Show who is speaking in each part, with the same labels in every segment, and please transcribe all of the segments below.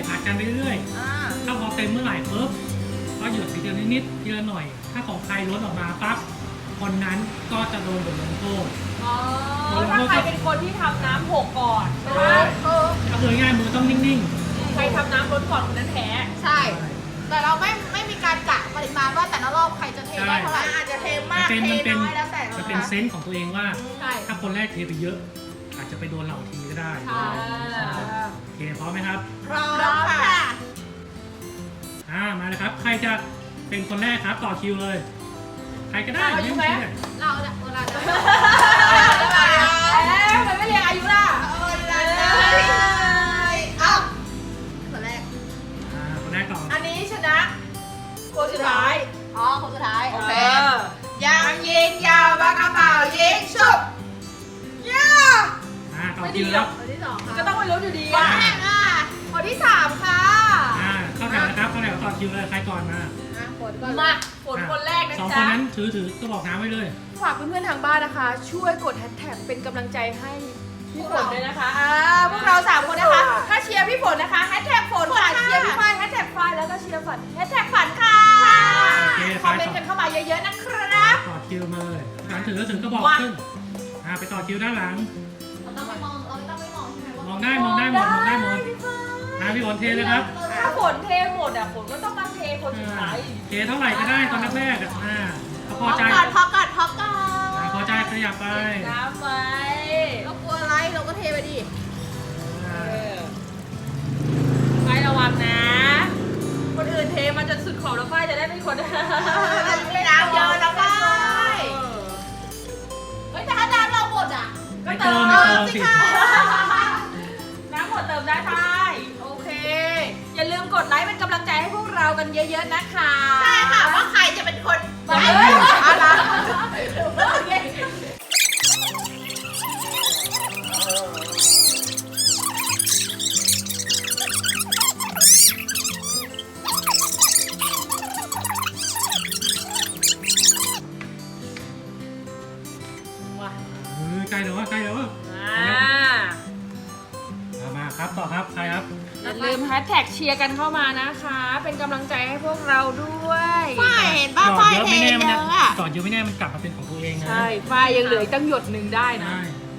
Speaker 1: ผัดกันไปเรื่อยๆถ้าพอเต็มเมื่อไหร่ปุ๊บก็หยุดทีละนิดทีละหน่อยถ้าของใครล้นออกมาปั๊บคนนั้นก็จะโดนบทลงโทษ
Speaker 2: ถ้าใครเป็นคนที่ทำน้ำหกก่อนใช่ไหม
Speaker 1: ก็คือง่ายมือต้องนิ่ง
Speaker 2: ๆใครทำน้ำล้นก่อนคนนั้นแพ้
Speaker 3: ใช่แต่เราไม่มีการกะปริมาณว่าแต่ละรอบใครจะเทได้เท่าไหร่อาจจะเทมากเทน้อยแล้วแต่
Speaker 1: จะเป็นเซนส์ของตัวเองว่าถ้าคนแรกเทไปเยอะอาจจะไปโดนเหล่าทีก็ได้โอเคพร้อมไหมครับ
Speaker 3: พร้อมค่ะ
Speaker 1: มาเลยครับใครจะเป็นคนแรกครับต่อคิวเลยใครก็ได้
Speaker 2: อายุไหม
Speaker 3: เราจะ
Speaker 2: มันไม่เรียกอายุล่ะ
Speaker 3: คนแรก
Speaker 1: ก่อน
Speaker 2: อันนี้ชนะคนสุดท้าย
Speaker 3: คนสุดท้ายโอเคยังยิงยาวปากกระเป๋ายิงชุบ
Speaker 1: ต่อคิวแล้ว
Speaker 3: คนที่2ค่ะ
Speaker 2: ก็ต้องไปลุ้นอยู่ดี
Speaker 3: คนที่3ค่ะ
Speaker 1: เข้าแถวนะครับเข้าแถวต่อคิวเลยใครก่อนมา
Speaker 2: ฝนคนแรกนะจ๊ะ
Speaker 1: 2 คนนั้นถือก็บอกน้ำไว้เลย
Speaker 2: ฝากเพื่อนๆทางบ้านนะคะช่วยกดแฮชแท็กเป็นกำลังใจให้พี่ฝนด้วยนะคะ
Speaker 3: พวกเรา3 คนนะคะถ้าเชียร์พี่ฝนนะคะแฮชแท็กฝนค่ะเชียร์พี่ฝ้ายแฮชแท็กฝ้ายแล้วก็เชียร์ฝันแฮชแท็กฝันค่ะคอมเมนต์กันเข้ามาเยอะๆนะครับ
Speaker 1: ต่อคิวมาเลยหลังถือก็บอกขึ้นไปต่อคิวด้านหลัง
Speaker 3: เราต้องไม่มองใช่ไหม
Speaker 1: มองได้หมดพี่ฝนเทเลยครับ
Speaker 2: ถ้าฝนเทหมดฝนก็ต้องมาเทคนสุดท้าย
Speaker 1: เทเท่าไหร่ก็ได้ตอนแรกพอใจ
Speaker 3: พอก่อน
Speaker 1: พอใจขยับไป
Speaker 2: น้ำไป
Speaker 3: เรากลัวอะไรเราก็เทไปดิ
Speaker 2: ไฟระวังนะคนอื่นเทมันจะสุดขอบแล้วไฟจะได้เป็นคน
Speaker 3: ไม่น้ำเยอะนะไฟแต่ถ้าน้ำเราหมด
Speaker 1: ก็เติมสิ
Speaker 2: น้ำหมดเติมได้ไฟโอเคอย่าลืมกดไลค์เป็นกำลังใจให้พวกเรากันเยอะๆนะคะ
Speaker 3: ใช่ค่ะว่าใครจะเป็นคน
Speaker 1: ใกล้แล้วมาครับต่อครับใครครับ
Speaker 2: อย่าลืมแฮชแท็กเชียร์กันเข้ามานะคะเป็นกำลังใจให้พวกเราด้วย
Speaker 3: ฝ้ายเห็นป่ะฝ้ายเทเยอะ
Speaker 1: ก่อนเยอะไม่แน่มันกลับมาเป็นของตัวเองนะ
Speaker 2: ใช่ฝ้ายยังเหลือตั้งหยดหนึ่งได้นะ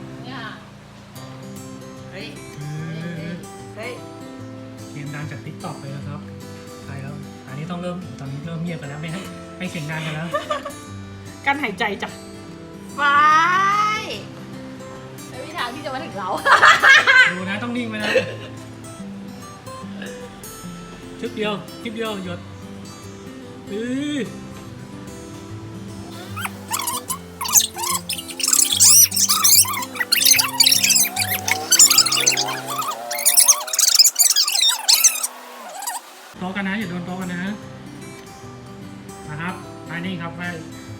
Speaker 1: เกมดังจากติ๊กต็อกเลยนะครับใครแล้วอันนี้ต้องตอนนี้เริ่มเงียบกันแล้วไม่เสียงดังกันแล้ว
Speaker 2: กั้นหายใจจ้ะ
Speaker 3: ฝ้ายไม่มีทางที่จะมาถึงเรา
Speaker 1: ดูนะต้องนิ่งไว้นะคลิปเดียวหยดโต๊ะกันนะอย่าโดนโต๊ะกันนะครับไปนี่ครับไป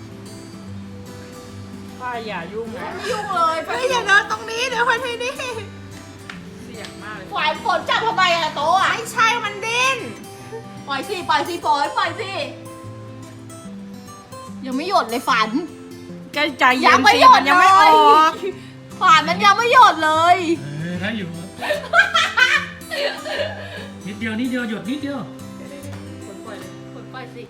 Speaker 2: ฝ้ายอย่ายุ่งนะ
Speaker 3: ไม่ยุ่งเลยอย่าเดินตรงนี้เดี๋ยวไปที่นี่
Speaker 2: เสี่ยงมากเลย
Speaker 3: ฝ่ายฝนจับทำไมโต๊ะไม่ใช่มันดิ้นปล่อยสิฝนปล่อยสิยังไม่หยดเลยฝัน
Speaker 2: ก็ใจเย็นสิมันยังไม่ออก
Speaker 3: ฝันมันยังไม่หยดเลย
Speaker 1: ถ้าอยู่นิดเดียวหยดนิดเดียว
Speaker 3: ฝนปล่อยสิ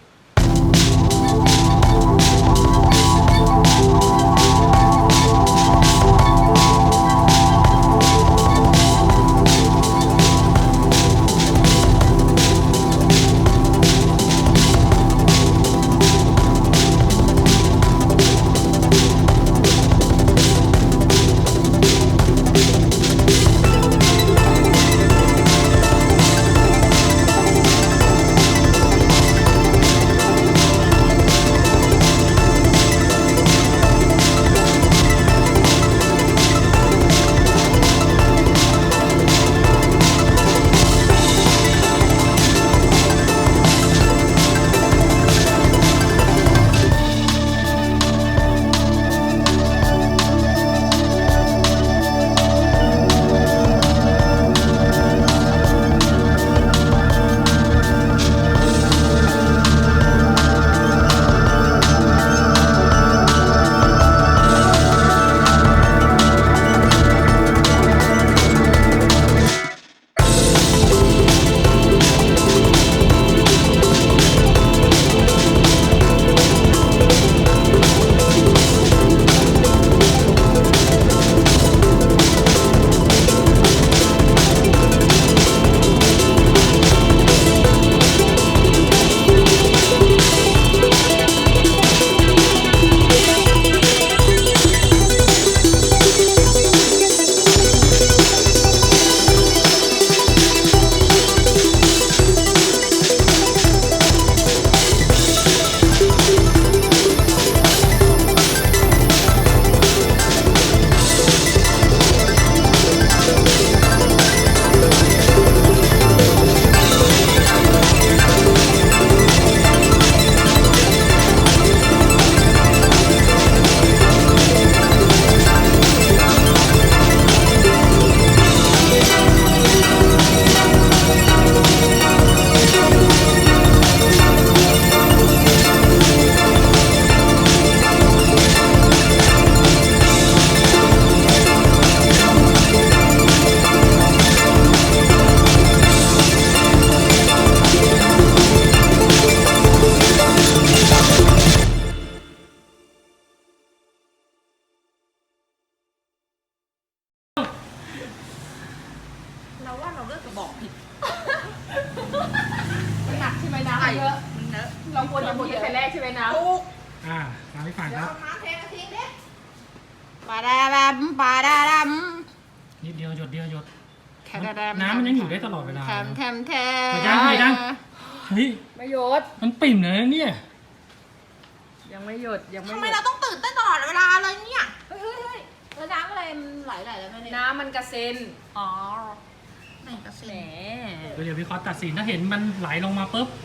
Speaker 3: เยอะ
Speaker 2: มันเนอะ
Speaker 3: เราควรจะหมดแต่แรกใช่ไหมนะ
Speaker 2: ถูก
Speaker 1: ตามพี่ฝันครับ
Speaker 3: น้ำเทกระทิ้งดิปลาดาดำปลาดาดำ
Speaker 1: นิดเดียวหยดเดียวหยด
Speaker 3: แคดาดำ
Speaker 1: น้ำมันยังอยู่ได้ตลอดเวลา
Speaker 3: แถมแถมแถ
Speaker 1: เดี๋ยวยังเดี๋ยวยัง เฮ้ย
Speaker 3: ไม่หยด
Speaker 1: มันปิ่มเลยนะเนี่ย
Speaker 3: ยังไม่หยดยังไม่
Speaker 2: ทำ
Speaker 3: ห
Speaker 2: ไม
Speaker 3: ย
Speaker 2: เรา
Speaker 3: ด
Speaker 2: ต้องตื่นเต้นตลอดเวลาเลยเนี่ย
Speaker 3: เฮ้ยแล้วน้ำอะไรมันไหลแล้วแม่เนี่ย
Speaker 2: น้ำมันกระเซ็น
Speaker 3: อ๋อ
Speaker 2: ไหนกระเซ็
Speaker 3: แหม
Speaker 2: น
Speaker 1: เดี๋ยวพี่คอสตัดสินถ้าเห็นมันไหลลงมาปุ๊บ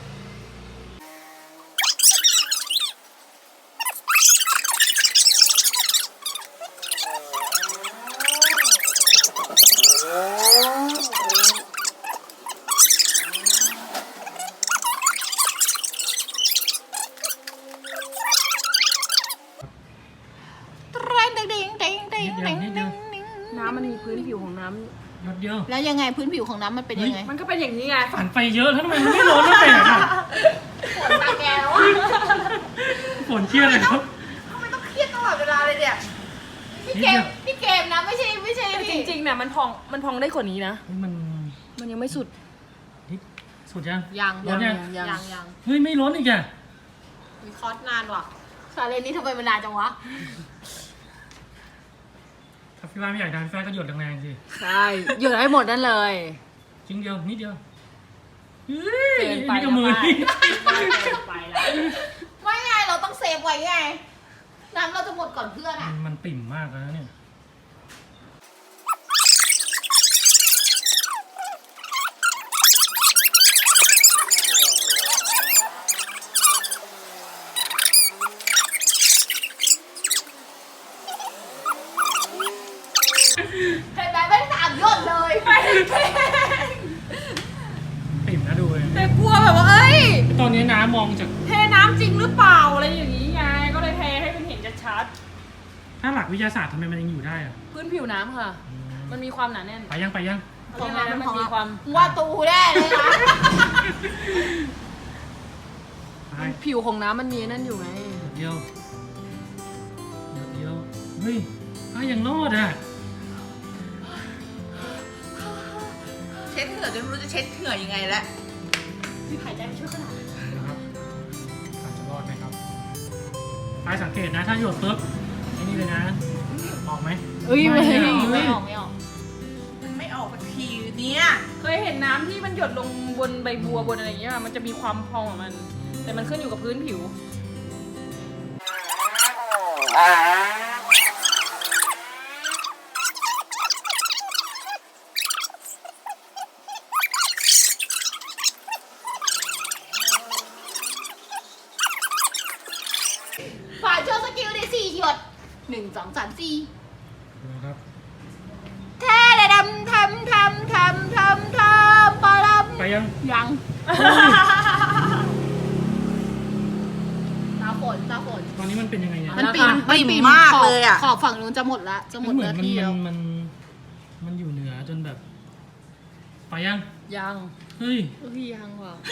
Speaker 3: น้ำมันมีพื้นผิวของน้
Speaker 1: หยดเดียว
Speaker 3: แล้วยังไงพื้นผิวของน้ำมันเป็นยังไง
Speaker 2: ำมันก็เป็นอย่างนี้ไง
Speaker 1: ฝันไปเยอะแล้วทำไมมันไม่ร้อนแล้วแปลกอ่ะ
Speaker 3: ฝนตาแกแล้วอ่ะ
Speaker 1: ฝนเครียดเลยครับ
Speaker 2: ทำไมต้องเครียดตลอดเวลาเลยเนี่ย
Speaker 3: นี่เกมนะไม่ใช่
Speaker 2: จริงๆเนี่ยมันพองได้กว่านี้นะ
Speaker 1: เฮ้ยมัน
Speaker 2: มันยังไม่สุด
Speaker 1: นี่สุดยัง
Speaker 3: ยัง
Speaker 1: ร้อนยัง
Speaker 3: ยัง
Speaker 1: เฮ้ยไม่ร้อนอีกอ่ะ
Speaker 3: มีคอร์สนานว่ะชาเลนนี้ทำไมมันนานจังวะ
Speaker 1: ถ้าพี่ว่าไม่อยากดันพี่ว่าก็หยดแรงๆสิ
Speaker 2: ใช่หยดให้หมดนั่นเลย
Speaker 1: จริงเดียวนิดเดียวเฮ้ย
Speaker 2: เกินไป
Speaker 1: นี่ก็มือนี่
Speaker 2: เกินไปแล้ว
Speaker 3: ไม่ไงเราต้องเซฟไว้ไง น้ำเราจะหมดก่อนเพื่อนอ่ะ
Speaker 1: มันปิ่มมากแล้วนะเนี่ย
Speaker 3: เห็นไหมไม่สามยอดเลย
Speaker 1: ปิ่มนะดูเลย
Speaker 2: แต่กลัวแบบว่าเอ้ย
Speaker 1: ตอนนี้น้ำมองจาก
Speaker 2: เทน้ำจริงหรือเปล่าอะไรอย่างนี้ไง ก็เลยเทให้มันเห็นชัด
Speaker 1: ถ้าหลักวิทยาศาสตร์ทำไมมันยังอยู่ได้อะ
Speaker 2: ๆพื้นผิวน้ำค่ะ มันมีความหนาแน่น
Speaker 1: ไปยัง
Speaker 2: ของน้ำมันมีความ
Speaker 3: ว่าตูแน่เลยนะ
Speaker 1: ไป
Speaker 2: ผิวของน้ำมันมีนั่นอยู่ไง
Speaker 1: เดียวเดียวเฮ้ยยังรอดอ่ะ
Speaker 2: เช็ดเหงื่อจนไม่รู้จะเช็ดเหงื่อยังไงแล้ว
Speaker 3: พี่หายใจไม่ช่วยขนาดนั้น
Speaker 1: นะครับอาจจะรอดไหมครับไปสังเกตนะถ้าหยดปุ๊บไอ้นี่เลยนะออกไหม
Speaker 3: ไม่
Speaker 1: ไม่
Speaker 3: ออก
Speaker 2: มันไม่ออกสักทีเนี่ย เคยเห็นน้ำที่มันหยดลงบนใบบัวบนอะไรอย่างเงี้ย มันจะมีความพองของมัน แต่มันขึ้นอยู่กับพื้นผิว
Speaker 3: ฝาโชว์สกิลได้4หยด1 2 3 4
Speaker 1: นะครับ
Speaker 3: แท้ดำทำปลาล
Speaker 1: ไปยัง
Speaker 3: ำยังตาฝน
Speaker 1: ตอนนี้มันเป็นยังไงเนี่ย
Speaker 3: มัน
Speaker 2: ปิ่มมากเลยอะ
Speaker 3: ขอบฝั่งนู้นจะหมดละจะหมด
Speaker 1: เหมื
Speaker 3: เนื้
Speaker 1: อ
Speaker 3: อน ที่แล้ว
Speaker 1: มันอยู่เหนือจนแบบ ไปยัง
Speaker 2: ยัง
Speaker 1: เฮ้ย
Speaker 3: ยังว่ะ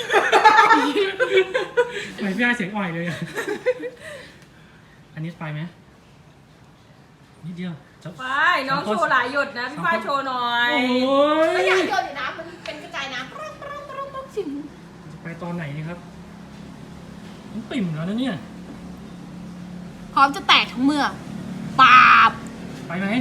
Speaker 1: ทำไมพี่อาเสียงอ่อยเลยอะอันนี้ไปไหมนิดเดียวจะ
Speaker 2: ไปน้องโชว์หลายหยดนะ พี่ฝ้ายโชว์หน่อย
Speaker 1: โอ้
Speaker 3: ไม่
Speaker 1: ย
Speaker 3: อยากโยนอยู่นะมันเป็นกระจายน้ำสิ่ง
Speaker 1: ไปตอนไหนนี่ครับมันปิ่มแล้วนะเนี่ย
Speaker 3: พร้อมจะแตกทั้งเมื่อปาบ
Speaker 1: ไปไหม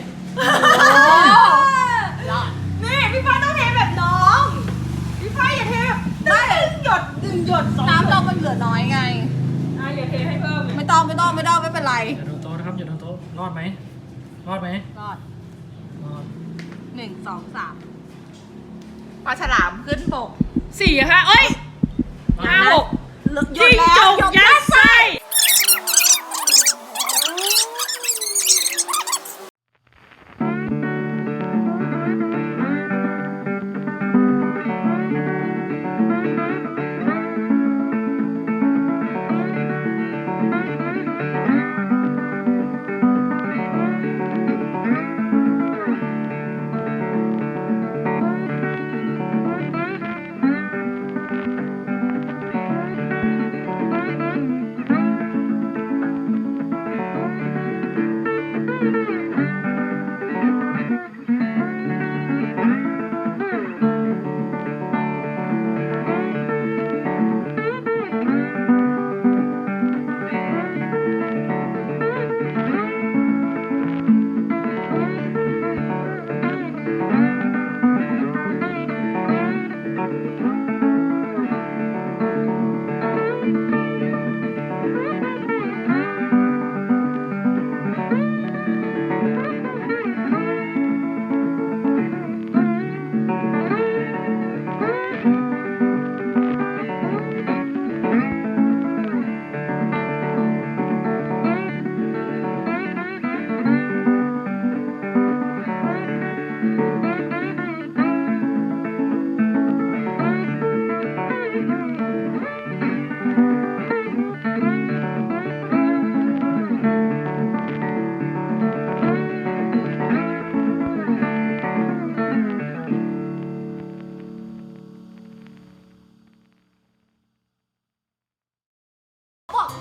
Speaker 3: รอด
Speaker 2: นี่พี่ฝ้ายต้องเทแบบน้อง พี่ฝ้ายอย่าเทแบบได้หยด1หยด2
Speaker 3: น้ำเรามันเหลือน้อยไง
Speaker 2: อย่าเทให้เพิ่มเลย
Speaker 3: ไม่ต้องไม่เป็นไร
Speaker 1: อย่าโดนโต๊ะนะครับอย่าโดนโต๊ะรอดไหมรอดไหม
Speaker 3: รอด
Speaker 1: รอด
Speaker 3: 1 2 3
Speaker 2: ปลาฉลามขึ้นบก4 ค่ะเอ้ย5 6
Speaker 3: หยดแล้ว
Speaker 2: จิ้งจกยัดไส้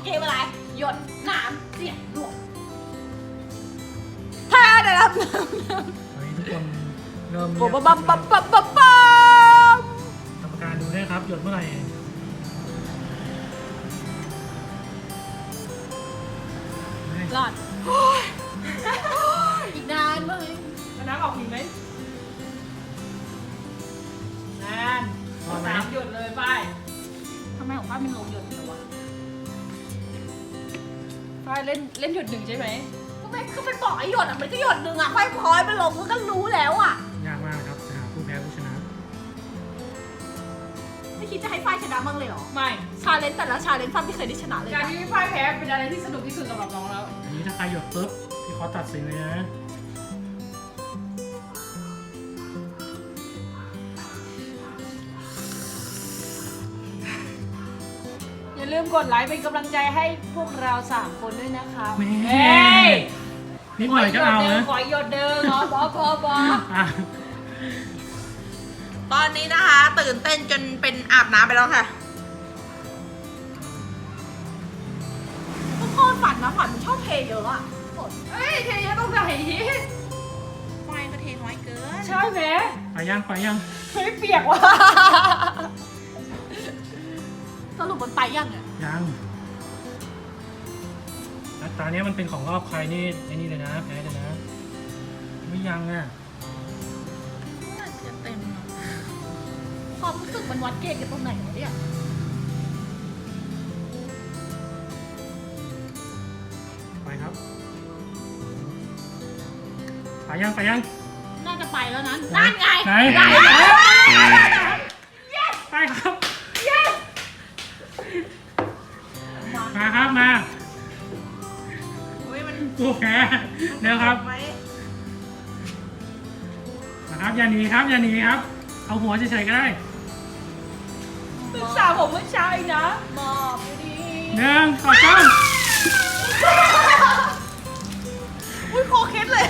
Speaker 3: กมอะไรหยดน้ำเสียงหลวงถ้าได้รับน้ำ
Speaker 1: ตอนนี้ทุกคนเริ่ม
Speaker 3: ปั๊มปั๊มปั๊มปั๊มปั๊มปั๊ม
Speaker 1: กรรมการดูด้วยครับหยดเมื่อไหร่
Speaker 3: รอดอีกนานไหม
Speaker 2: น้ำออกหินไหมนาน
Speaker 1: พอไหม
Speaker 2: 3 หยดเลยฝ้าย
Speaker 3: ทำไมของป้าเป็นลงหยดเดียววะ
Speaker 2: ฝ้ายเล่นหยด 1ใช่ไหม
Speaker 3: ก็ไม่คือมันบอกไอ้หยดอ่ะมันก็หยดหนึ่งอ่ะค่อยพอยมันลงมันก็รู้แล้วอ่ะ
Speaker 1: ยากมากครับจะหาผู้แพ้ผู้ชนะ
Speaker 3: ไม่คิดจะให้ฝ้ายชนะบ้างเลยเหรอ
Speaker 2: ไม่
Speaker 3: ชาเลนจ์แต่ละชาเลนจ์ฝ้ายไม่เคยได้ชนะเลย
Speaker 2: การ
Speaker 3: นะ
Speaker 2: ที่ฝ้ายแพ้เป็นอะไรที่สนุกที่สุดสำหรับน้องแล้ว
Speaker 1: อันนี้ถ้าใครหยดปุ๊บพี่ขอตัดสินเลยนะ
Speaker 2: อย่าลืมกดไลค์เป็นกำลังใจให้พวกเรา3 คนด้วยนะคะ
Speaker 1: แม่
Speaker 2: เฮ้ย
Speaker 1: นิดหน่อยก็เอานะ
Speaker 2: ขอหยดเดิมขอพอ
Speaker 1: อ่ะ
Speaker 3: ตอนนี้นะคะ ตื่นเต้นจนเป็นอาบน้ำไปแล้วค่ะพ่อฝันนะฝันมันชอบเทเยอะอะฝน
Speaker 2: เฮ้ยเทเยอะตรงไหน
Speaker 3: ไฟก็เทน้อยเกิน
Speaker 2: ใช่ไหม
Speaker 1: ไปยัง
Speaker 2: เฮ้ยเปียกว่ะ
Speaker 3: สรุปมันไปยังเนี่ย
Speaker 1: ยังแล้วตาเนี้ยมันเป็นของรอบใครนี่ไอ้นี่เลยนะแพ้เลยนะ ไม่ยังอ่ะ
Speaker 3: น่าจะเต็มอะความรู้สึกมันวัดเกณฑ์กันตรงไหนวะเนี่ย
Speaker 1: ไปครับ ไปยัง
Speaker 3: น่าจะไปแล้วนะนั่นไง
Speaker 1: ไหน
Speaker 3: ได้
Speaker 1: ไปครับ มาครับมา
Speaker 3: เฮ้ยมัน
Speaker 1: ผู้แพ้เดี๋ยวครับ
Speaker 3: ไว้
Speaker 1: นะครับอย่าหนีครับ เอาหัวเฉยๆก็ได้
Speaker 2: ศึกษาผมเมื่อเช้าเองนะ
Speaker 3: มอบอยู่ดี
Speaker 1: 1 2 3
Speaker 3: อุ้ยโคเคสเลย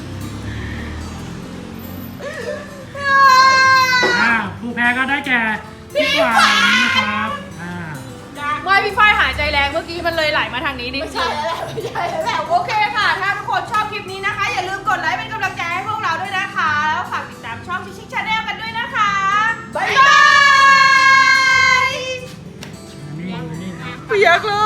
Speaker 1: ผู้แพ้ก็ได้แก่พี่ขวัญนะครับ
Speaker 2: ไม่พี่ฝ้ายหายใจแรงเมื่อกี้มันเลยไหลมาทางนี้นิด
Speaker 3: ไม่ใช่แล้วแหละไม่ใช่แล้วแหละโอเคค่ะ ถ้าทุกคนชอบคลิปนี้นะคะ อย่าลืมกดไลค์เป็นกำลังใจให้พวกเราด้วยนะคะ แล้วฝากติดตามช่องชิคชาแนลกันด้วยนะคะบ๊ายบาย
Speaker 1: นี่
Speaker 3: เปียกเลย